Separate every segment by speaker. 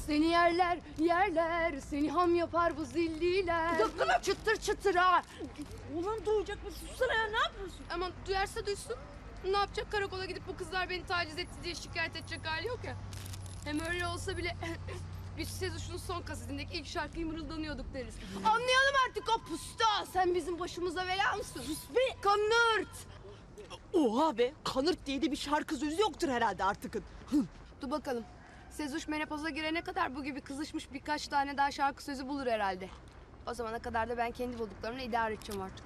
Speaker 1: Seni yerler, yerler, seni ham yapar bu zilliler.
Speaker 2: Dokunma.
Speaker 1: Çıtır çıtır ha.
Speaker 2: Ulan duyacak mı? Sussana ya, ne yapıyorsun?
Speaker 1: Aman duyarsa duysun. Ne yapacak? Karakola gidip bu kızlar beni taciz etti diye şikayet edecek hali yok ya. Hem öyle olsa bile biz Sezuş'un son kasetindeki ilk şarkıyı mırıldanıyorduk deriz. Anlayalım artık o pusta. Sen bizim başımıza bela mısın? Sus be! Kanırt!
Speaker 2: Oha be, kanırt diye de bir şarkı sözü yoktur herhalde artık.
Speaker 1: Dur bakalım. Sezuş menopoza girene kadar bu gibi kızışmış birkaç tane daha şarkı sözü bulur herhalde. O zamana kadar da ben kendi bulduklarımla idare edeceğim artık.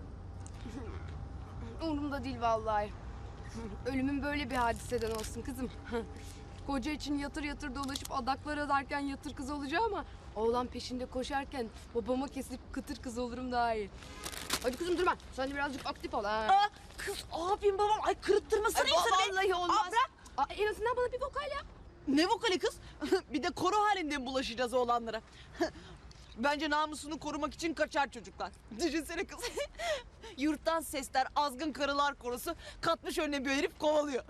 Speaker 1: Umurumda değil vallahi. Ölümün böyle bir hadiseden olsun kızım. Koca için yatır yatır dolaşıp adaklar adarken yatır kız olacağım ama oğlan peşinde koşarken babama kesip kıtır kız olurum daha iyi. Hadi kızım durma. Sen de birazcık aktif ol ha.
Speaker 2: Aa, kız abim babam ay kırıttırmasana insanı be.
Speaker 1: Vallahi olmaz.
Speaker 2: Aa, bırak.
Speaker 1: En azından bana bir vokal yap.
Speaker 2: Ne vokali kız? Bir de koro halinde mi bulaşacağız oğlanlara? Bence namusunu korumak için kaçar çocuklar. Düşünsene kız. Yurttan sesler, azgın karılar korosu katmış önüne bir herif kovalıyor.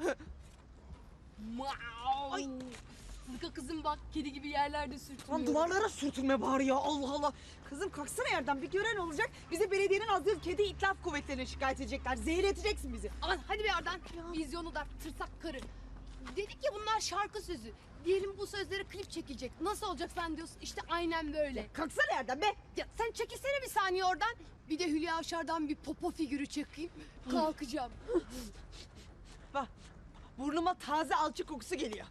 Speaker 1: Ay. Sıdıka kızım bak kedi gibi yerlerde sürtünüyor.
Speaker 2: Lan duvarlara sürtünme bari ya, Allah Allah. Kızım kalksana yerden, bir gören olacak. Bize belediyenin azgın kedi itlaf kuvvetlerine şikayet edecekler. Zehir edeceksin bizi.
Speaker 1: Aman hadi bir Ardan. Vizyonu da tırsak karı. Dedik ya bunlar şarkı sözü. Diyelim bu sözlere klip çekilecek. Nasıl olacak sen diyorsun. İşte aynen böyle.
Speaker 2: Kalksana yerden be.
Speaker 1: Ya sen çekilsene bir saniye oradan. Bir de Hülya Avşar'dan bir popo figürü çekeyim. Kalkacağım.
Speaker 2: Bak, burnuma taze alçı kokusu geliyor.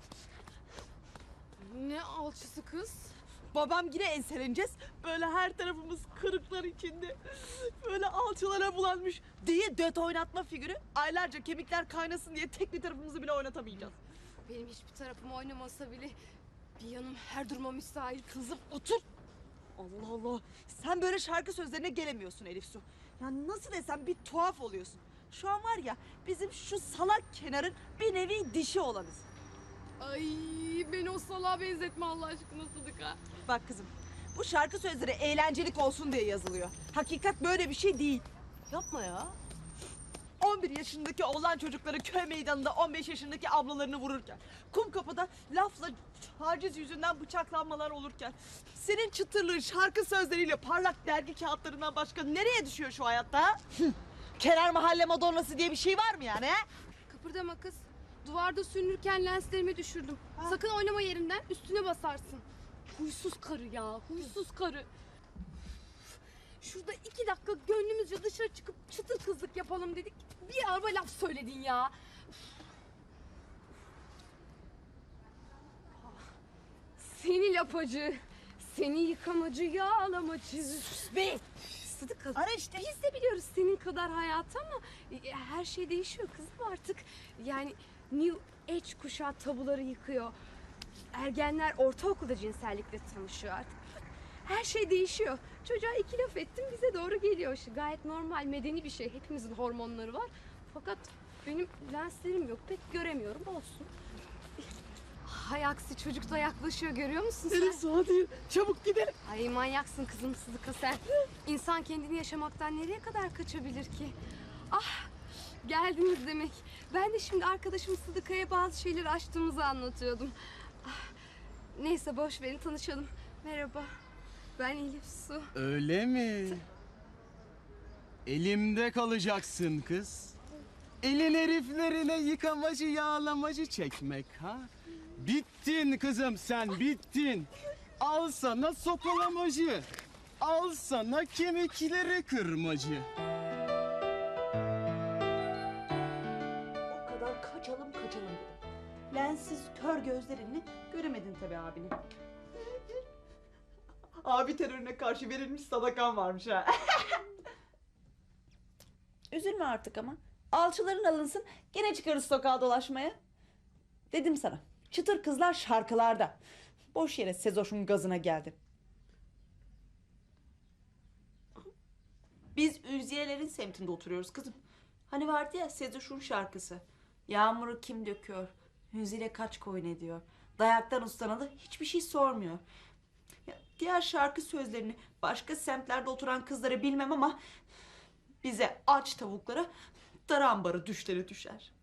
Speaker 1: Ne alçısı kız?
Speaker 2: Babam yine enseleneceğiz. Böyle her tarafımız kırıklar içinde. Böyle alçılara bulanmış diye döt oynatma figürü. Aylarca kemikler kaynasın diye tek bir tarafımızı bile oynatamayacağız.
Speaker 1: Benim hiçbir tarafım oynamasa bile bir yanım her duruma müsait.
Speaker 2: Kızım otur. Allah Allah. Sen böyle şarkı sözlerine gelemiyorsun Elif Su. Ya nasıl desem bir tuhaf oluyorsun. Şu an var ya bizim şu salak kenarın bir nevi dişi olanız.
Speaker 1: Ay beni o salağa benzetme Allah aşkına Sıdıka.
Speaker 2: Bak kızım, bu şarkı sözleri eğlencelik olsun diye yazılıyor. Hakikat böyle bir şey değil.
Speaker 1: Yapma ya.
Speaker 2: 11 yaşındaki oğlan çocukları köy meydanında 15 yaşındaki ablalarını vururken, Kumkapı'da lafla taciz yüzünden bıçaklanmalar olurken, senin çıtırlığın şarkı sözleriyle parlak dergi kağıtlarından başka nereye düşüyor şu hayatta? Ha? Kenar mahalle madonnası diye bir şey var mı yani? Ha?
Speaker 1: Kıpırdama kız. Duvarda sürünürken lenslerimi düşürdüm. Sakın oynama yerinden, üstüne basarsın. Huysuz karı ya, huysuz karı. Şurada 2 dakika gönlümüzce dışarı çıkıp çıtır kızlık yapalım dedik. Bir araba laf söyledin ya. Seni lapacı, seni yıkamacı, yağlamacı.
Speaker 2: Sus be!
Speaker 1: Sıdıka,
Speaker 2: Ara işte.
Speaker 1: biz de biliyoruz senin kadar hayatı ama her şey değişiyor kızım artık. Yani New Age kuşağı tabuları yıkıyor. Ergenler ortaokulda cinsellikle tanışıyor artık. Her şey değişiyor. Çocuğa 2 laf ettim bize doğru geliyor. Gayet normal, medeni bir şey. Hepimizin hormonları var. Fakat benim lenslerim yok. Pek göremiyorum. Olsun. Hay aksi çocuk da yaklaşıyor. Görüyor musun sen?
Speaker 2: Elif Su hadi çabuk gidelim.
Speaker 1: Ay manyaksın kızım Sıdıka sen. İnsan kendini yaşamaktan nereye kadar kaçabilir ki? Ah geldiniz demek. Ben de şimdi arkadaşım Sıdıka'ya bazı şeyleri açtığımızı anlatıyordum. Ah, neyse boş verin tanışalım. Merhaba. Ben Elif Su.
Speaker 3: Öyle mi? Elimde kalacaksın kız. Elin heriflerine yıkamacı yağlamacı çekmek ha? Bittin kızım sen bittin. Al sana sopalamacı. Al sana kemikleri kırmacı.
Speaker 2: O kadar kaçalım dedim. Lensiz kör gözlerini göremedin tabii abini. Abi terörüne karşı verilmiş sadakan varmış ha. Üzülme artık ama. Alçıların alınsın, gene çıkarız sokağa dolaşmaya. Dedim sana, çıtır kızlar şarkılarda. Boş yere Sezoş'un gazına geldin. Biz Ülziyelerin semtinde oturuyoruz kızım. Hani vardı ya Sezoş'un şarkısı. Yağmuru kim döküyor, Hüzile kaç koyun ediyor. Dayaktan ustanalı hiçbir şey sormuyor. Ya, diğer şarkı sözlerini başka semtlerde oturan kızlara bilmem ama bize aç tavuklara dar ambarı düşleri düşer.